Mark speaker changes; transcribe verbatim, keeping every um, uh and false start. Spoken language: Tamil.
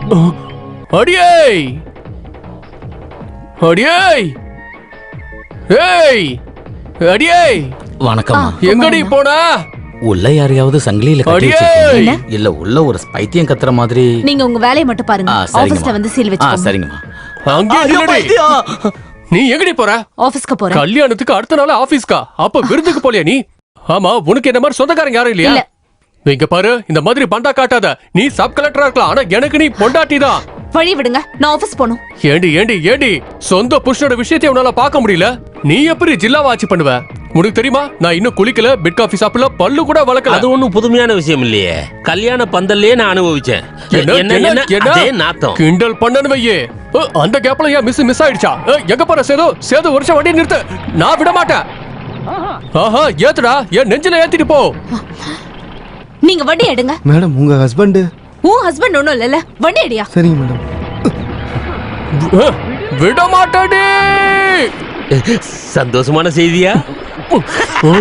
Speaker 1: அடியே அடியே ஏய் அடியே
Speaker 2: வணக்கம்.
Speaker 1: எங்கடி போனா?
Speaker 2: உள்ள யாரையாவது சங்கிலியில கட்டி
Speaker 1: அடியே!
Speaker 2: வச்சிருக்கீங்க? இல்ல உள்ள ஒரு பைத்தியம் கத்துற மாதிரி.
Speaker 3: நீங்க உங்க வேலையை மட்டும் பாருங்க.
Speaker 2: ஆ, சரிங்கம்மா.
Speaker 3: ஆபீஸ்ல வந்து சீல்
Speaker 2: ஆ,
Speaker 3: வச்சுக்கோங்க.
Speaker 2: சரிங்கம்மா.
Speaker 1: அங்கே நில்லுடி. நீ எங்கடி போற?
Speaker 3: ஆபீஸ்க்கு போறேன்.
Speaker 1: கல்யாணத்துக்கு அடுத்த நாள் ஆபீஸ்க்கா? அப்ப விருந்துக்கு போலியா நீ? ஆமா, உனக்கு என்ன மாதிரி சொந்தக்காரங்க யாரும் இல்லையா?
Speaker 3: இல்ல.
Speaker 1: இங்க பாரு, இந்த மாதிரி பண்டா காட்டாத. நீ சப் கலெக்டரா இருக்கலாம், ஆனா எனக்கு நீ பொண்டாட்டி தான்.
Speaker 3: வழி விடுங்க, நான் ஆபீஸ் போணும்.
Speaker 1: ஏண்டி ஏண்டி ஏண்டி சொந்த புருஷனோட விஷயத்தை உன்னால பார்க்க முடியல? நீ எப்படி ஜில்லாவா ஆட்சி பண்ணுவ? உனக்கு தெரியுமா, நான் இன்னும் குளிக்கல, பெட் காஃபி சாப்பிடல, பல்லு கூட வளர்க்கல.
Speaker 4: அது ஒண்ணும் புதுமையான விஷயம் இல்லையே. கல்யாண பந்தல்லே நான் அனுபவிச்சேன்.
Speaker 1: என்ன,
Speaker 4: என்ன
Speaker 1: என்ன,
Speaker 4: என்ன
Speaker 1: என்ன?
Speaker 4: அதே நாத்தம்.
Speaker 1: கிண்டல் பண்ணனு வையே. அ, அந்த கேப்ல ஏன் மிஸ் மிஸ் ஆயிடுச்சா? அ, எங்க போற சேது? சேது வருஷம் வண்டி நிறுத்து, நான் விட மாட்டேன். ஆஹா, ஏத்துடா, என் நெஞ்சில ஏத்திட்டு போ.
Speaker 3: நீங்க வண்டி எடுங்க.
Speaker 5: மேடம் உங்க ஹஸ்பண்ட்.
Speaker 3: உன் ஹஸ்பண்ட் ஒண்ணும் இல்லல, வண்டி அடியா.
Speaker 5: சரிங்க மேடம்.
Speaker 1: அ, விட மாட்டேடி.
Speaker 4: சந்தோஷமான செய்தியா?